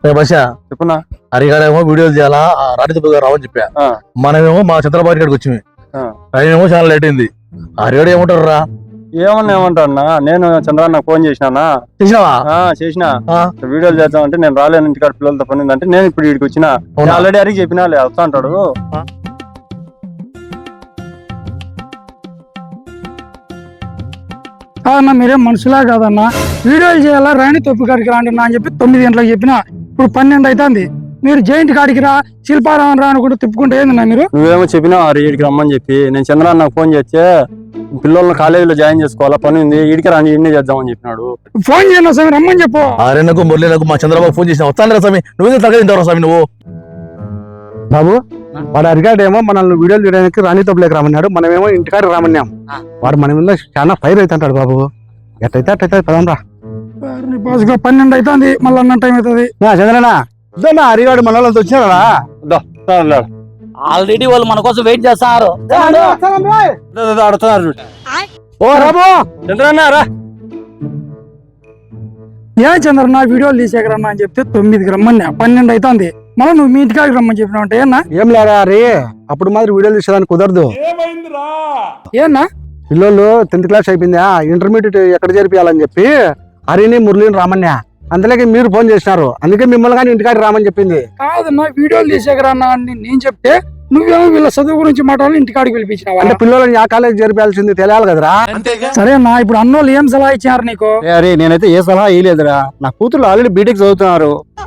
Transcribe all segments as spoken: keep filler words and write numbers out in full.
చెప్పున్నా హరిగాడేమో వీడియోలు చేయాలా రాణితో రావని చెప్పా. మనమేమో మా చంద్రబాబు గారికి వచ్చి ట్రైన్ ఏమో చాలా లేట్ అయింది. హరిగాడు ఏమంటారు రా? ఏమన్నా ఏమంటారన్నా, నేను చంద్రన్న ఫోన్ చేసినా చేసినావా? చేసిన వీడియోలు చేద్దామంటే నేను రాలేను, ఇంటికాడ పిల్లలతో పని ఉందంటే నేను ఇప్పుడు వీడికి వచ్చిన. ఆల్రెడీ అడిగి చెప్పినా వస్తా అంటాడు. కాదన్నా మీరేం మనుషులా కాదన్నా, వీడియోలు చేయాలా రాణి తొప్పి కాడికి రాండి అని చెప్పి తొమ్మిది గంటలకు చెప్పినా ఇప్పుడు పన్నెండు అవుతుంది. మీరు జైంట్ కాడికి రా శిల్పారామం రా అనుకుంటూ తిప్పుకుంటే ఏందన్నా మీరు? నువ్వేమో చెప్పినావు వీడికి రమ్మని చెప్పి. నేను చంద్రన్న నాకు ఫోన్ చేస్తే పిల్లల్ని కాలేజీలో జాయిన్ చేసుకోవాలా, పని ఉంది, వీడికి రాని ఇన్ని చేద్దామని చెప్పినాడు. ఫోన్ చేయను స్వామి, రమ్మని చెప్పు. ఆరేనకు మురళీనకు మా చంద్రబాబు ఫోన్ చేసిన వస్తాను స్వామి. నువ్వే తగ్గదింటావు స్వామి నువ్వు. బాబు వాడు అరిగాడేమో మనల్ని వీడియోలు చేయడానికి రాణి తప్పులేక రామన్నాడు, మనమేమో ఇంటికాడ రామన్నాం. వాడు మన మీద చాలా ఫైర్ అవుతుంటాడు బాబు. ఎట్టయితే అట్టయితే పదం రా. పన్నెండు అవుతుంది, మళ్ళీ అన్న టైం అవుతుంది. చంద్రనా ఇద్దరు అరిగాడు మన వాళ్ళతో వచ్చినారా? ఆల్రెడీ వాళ్ళు మన కోసం వెయిట్ చేస్తున్నారు. ఓ రాబో చంద్రన్న రా. ఏ చంద్రన్న వీడియోలు తీసేకి రమ్మా అని చెప్తే తొమ్మిదికి రమ్మన్నా, పన్నెండు అవుతుంది. మళ్ళీ నువ్వు మీ ఇంటికాడికి రమ్మని చెప్పినావు అంటే ఏనా? ఏం లేరా రే, అప్పుడు మాదిరి వీడియోలు తీసేదానికి కుదరదు. ఏనా పిల్లలు టెన్త్ క్లాస్ అయిపోయిందా, ఇంటర్మీడియట్ ఎక్కడ చేర్పియాలని చెప్పి హరిని మురళిని రామన్యా. అందులోకి మీరు ఫోన్ చేసినారు, అందుకే మిమ్మల్ని కానీ ఇంటికాడ రామని చెప్పింది. కాదన్నా వీడియోలు తీసేకి రన్నా అని నేను చెప్తే నువ్వేమో వీళ్ళ చదువు గురించి మాట్లాడాలి ఇంటికాడికి పిలిపించినావా? అంటే పిల్లలని ఆ కాలేజ్ చేర్పాల్సింది తెలియాలి కదరా. సరేనా ఇప్పుడు అన్నోళ్ళు ఏం సలహా ఇచ్చారు నీకు? అరే నేనైతే ఏ సలహా ఇయలేదురా, నా కూతురు ఆల్రెడీ బీటెక్ చదువుతున్నారు.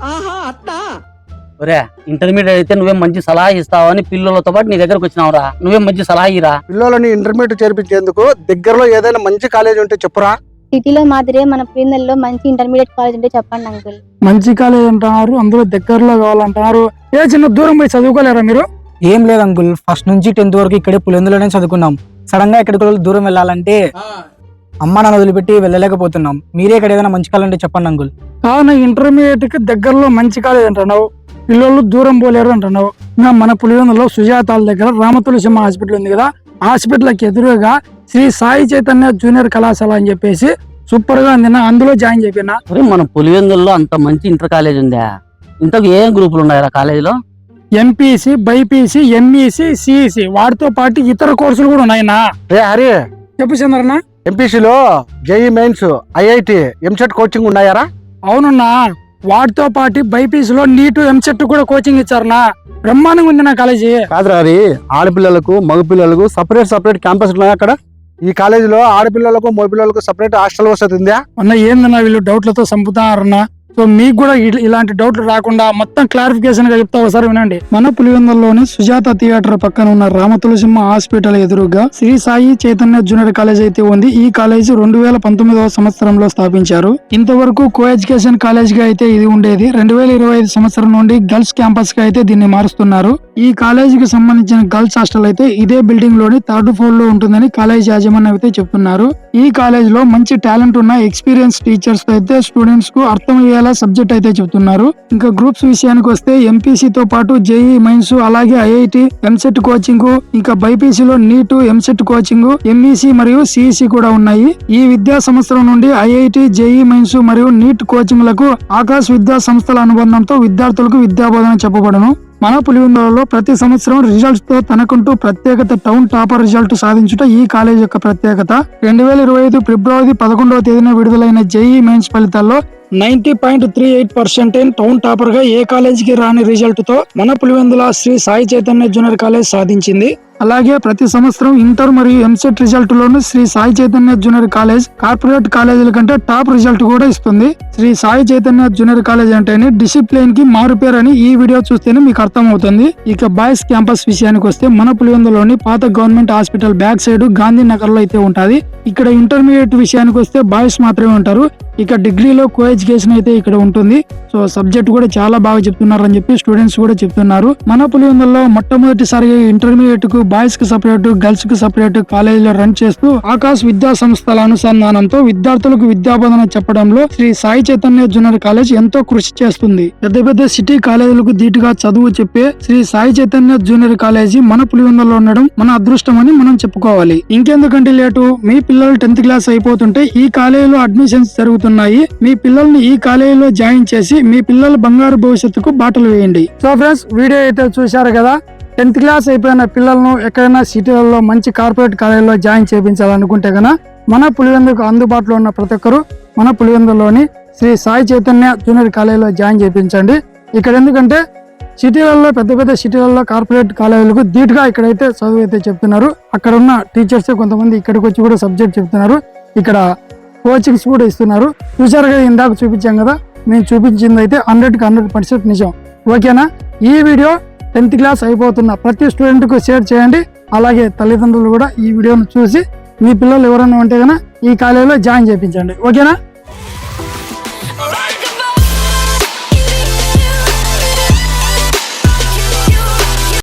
ఒరే ఇంటర్మీడియట్ అయితే నువ్వేం మంచి సలహా ఇస్తావు అని పిల్లలతో పాటు నీ దగ్గరకు వచ్చినావురా. నువ్వేం మంచి సలహా ఇరా. పిల్లలని ఇంటర్మీడియట్ చేర్పించేందుకు దగ్గరలో ఏదైనా మంచి కాలేజ్ ఉంటే చెప్పురా. సిటీలో మాదిరే మన పిల్లల్లో మంచి ఇంటర్మీడియట్ కాలేజ్ ఉంటే చెప్పండి అంకుల్. మంచి కాలేజ్ అంటున్నారు, అందులో దగ్గరలో కావాలంటున్నారు. ఏ చిన్న దూరం పోయి చదువుకోలేరా మీరు? ఏం లేదు అంకుల్, ఫస్ట్ నుంచి టెన్త్ వరకు ఇక్కడే పులివెందులోనే చదువుకున్నాం. సడన్ గా ఎక్కడికి దూరం వెళ్ళాలంటే అమ్మ నాన్న వదిలిపెట్టి వెళ్ళలేకపోతున్నాం. మీరే ఇక్కడ ఏదైనా మంచి కాలేజ్ ఉంటే చెప్పండి అంకుల్. కావున ఇంటర్మీడియట్ కి దగ్గరలో మంచి కాలేజ్ అంటున్నావు, పిల్లలు దూరం పోలేరు అంటున్నావు. మన పులివెందులో సుజాతాల దగ్గర రామతులసింహ హాస్పిటల్ ఉంది కదా, హాస్పిటల్ కి ఎదురుగా శ్రీ సాయి చైతన్య జూనియర్ కళాశాల అని చెప్పేసి సూపర్ గా ఉంది, అందులో జాయిన్ చెప్పినా. మన పులివెందుల్లో అంత మంచి ఇంటర్ కాలేజ్ ఉందా? ఇంతకు ఏం గ్రూపులు ఉన్నాయా కాలేజీలో? ఎంపీసీ, బైపీసీ, ఎంఈసీ, సిఈసీ వాటితో పాటు ఇతర కోర్సులు కూడా ఉన్నాయినా. రే హరి చెప్పు చంద్రన్న. ఎంపీసీలో JEE mains, IIT, EAMCET coaching ఉన్నాయారా? అవునన్నా, వాటితో పాటు బైపీసీలో నీటు, ఎంసెట్ కూడా కోచింగ్ ఇచ్చారనా. బ్రహ్మాండంగా ఉంది నా కాలేజీ. కాదురా హరి, ఆడపిల్లలకు మగపిల్లలకు సపరేట్ సపరేట్ క్యాంపస్ ఉన్నాయి అక్కడ. ఈ కాలేజీలో ఆడపిల్లలకు మగపిల్లలకు సపరేట్ హాస్టల్ వసతి ఉందా? అన్న ఏందన్నా వీళ్ళు డౌట్లతో చంపుతారన్నా. సో మీకు కూడా ఇలాంటి డౌట్లు రాకుండా మొత్తం క్లారిఫికేషన్ గా చెప్తా ఒకసారి వినండి. మన పులివెందుల్లోని సుజాత థియేటర్ పక్కన ఉన్న రామతులసింహ హాస్పిటల్ ఎదురుగా శ్రీ సాయి చైతన్య జూనియర్ కాలేజ్ అయితే ఉంది. ఈ కాలేజ్ రెండు వేల పంతొమ్మిదవ సంవత్సరంలో స్థాపించారు. ఇంతవరకు కో ఎడ్యుకేషన్ కాలేజ్ గా అయితే ఇది ఉండేది. రెండు వేల ఇరవై ఐదు సంవత్సరం నుండి గర్ల్స్ క్యాంపస్ గా అయితే దీన్ని మారుస్తున్నారు. ఈ కాలేజీకి సంబంధించిన గర్ల్స్ హాస్టల్ అయితే ఇదే బిల్డింగ్ లోని థర్డ్ ఫ్లోర్ లో ఉంటుందని కాలేజ్ యాజమాన్యం అయితే చెప్తున్నారు. ఈ కాలేజ్ లో మంచి టాలెంట్ ఉన్న ఎక్స్పీరియన్స్ టీచర్స్ అయితే స్టూడెంట్స్ కు అర్థమయ్యేలా సబ్జెక్ట్ అయితే చెప్తున్నారు. ఇంకా గ్రూప్స్ విషయానికి వస్తే ఎంపీసీ తో పాటు జేఈ మెయిన్స్, అలాగే ఐఐటి, ఎంసెట్ కోచింగ్, ఇంకా బైపీసీలో నీటు, ఎంసెట్ కోచింగ్, ఎంఈసీ మరియు సిఈసీ కూడా ఉన్నాయి. ఈ విద్యా సంవత్సరం నుండి ఐఐటి, జేఈ మెయిన్స్ మరియు నీట్ కోచింగ్ లకు ఆకాశ్ విద్యా సంస్థల అనుబంధంతో విద్యార్థులకు విద్యాబోధన చెప్పబడను. మన పులివెందులలో ప్రతి సంవత్సరం రిజల్ట్స్ తో తనకంటూ ప్రత్యేకత టౌన్ టాపర్ రిజల్ట్ సాధించుట ఈ కాలేజ్ యొక్క ప్రత్యేకత. రెండు వేల ఇరవై ఐదు ఫిబ్రవరి పదకొండవ తేదీన విడుదలైన జేఈ మెయిన్స్ ఫలితాల్లో ninety point three eight percent town topper గా ఏ కాలేజీకి రాని రిజల్ట్ తో మన పులివెందుల శ్రీ సాయి చైతన్య జూనియర్ కాలేజ్ సాధించింది. అలాగే ప్రతి సంవత్సరం ఇంటర్ మరియు ఎంసెట్ రిజల్ట్ లోను Sri Sai Chaitanya junior college corporate కాలేజీల కంటే టాప్ రిజల్ట్ కూడా ఇస్తుంది. శ్రీ సాయి చైతన్య జూనియర్ కాలేజ్ అంటేనే డిసిప్లిన్ కి మారుపేరు అని ఈ వీడియో చూస్తేనే మీకు అర్థం అవుతుంది. ఇక బాయ్స్ క్యాంపస్ విషయానికి వస్తే మన పులివెందులోని పాత government hospital back side Gandhinagar లో అయితే ఉంటది. ఇక్కడ ఇంటర్మీడియట్ విషయానికి వస్తే బాయ్స్ మాత్రమే ఉంటారు. ఇక డిగ్రీలో కో ఎడ్యుకేషన్ అయితే ఇక్కడ ఉంటుంది. సో సబ్జెక్ట్ కూడా చాలా బాగా చెప్తున్నారు అని చెప్పి స్టూడెంట్స్ కూడా చెప్తున్నారు. మన పులివెందుల్లో మొట్టమొదటిసారిగా ఇంటర్మీడియట్ కు బాయ్స్ కి సపరేట్ గర్ల్స్ కి సపరేట్ కాలేజీలో రన్ చేస్తూ ఆకాశ్ విద్యా సంస్థల అనుసంధానంతో విద్యార్థులకు విద్యాబోధన చెప్పడంలో శ్రీ సాయి చైతన్య జూనియర్ కాలేజ్ ఎంతో కృషి చేస్తుంది. పెద్ద పెద్ద సిటీ కాలేజీలకు ధీటుగా చదువు చెప్పే శ్రీ సాయి చైతన్య జూనియర్ కాలేజీ మన పులివెందులలో ఉండడం మన అదృష్టం అని మనం చెప్పుకోవాలి. ఇంకెందుకంటే లేటు, మీ పిల్లలు టెన్త్ క్లాస్ అయిపోతుంటే ఈ కాలేజీలో అడ్మిషన్స్ జరుగుతున్నాయి. మీ పిల్లల్ని ఈ కాలేజీలో జాయిన్ చేసి మీ పిల్లల బంగారు భవిష్యత్తుకు బాటలు వేయండి. సో ఫ్రెండ్స్, వీడియో అయితే చూశారు కదా. టెన్త్ క్లాస్ అయిపోయిన పిల్లలను ఎక్కడైనా సిటీలలో మంచి కార్పొరేట్ కాలేజీలో జాయిన్ చేయించాలనుకుంటే కనుక మన పులివెందుకు అందుబాటులో ఉన్న ప్రతి ఒక్కరు మన పులివెందులోని శ్రీ సాయి చైతన్య జూనియర్ కాలేజీలో జాయిన్ చేయించండి. ఇక్కడ ఎందుకంటే సిటీలలో పెద్ద పెద్ద సిటీలలో కార్పొరేట్ కాలేజీలకు ధీటుగా ఇక్కడైతే చదువు అయితే చెప్తున్నారు. అక్కడ ఉన్న టీచర్స్ కొంతమంది ఇక్కడికి వచ్చి కూడా సబ్జెక్ట్ చెప్తున్నారు. ఇక్కడ కోచింగ్స్ కూడా ఇస్తున్నారు. చూసారు కదా, ఇందాక చూపించాం కదా, మేము చూపించింది అయితే హండ్రెడ్కి హండ్రెడ్ పర్సెంట్ నిజం. ఓకేనా? ఈ వీడియో టెన్త్ క్లాస్ అయిపోతున్న ప్రతి స్టూడెంట్కు షేర్ చేయండి. అలాగే తల్లిదండ్రులు కూడా ఈ వీడియోను చూసి మీ పిల్లలు ఎవరైనా ఉంటే కనుక ఈ కాలేజీలో జాయిన్ చేయించండి. ఓకేనా?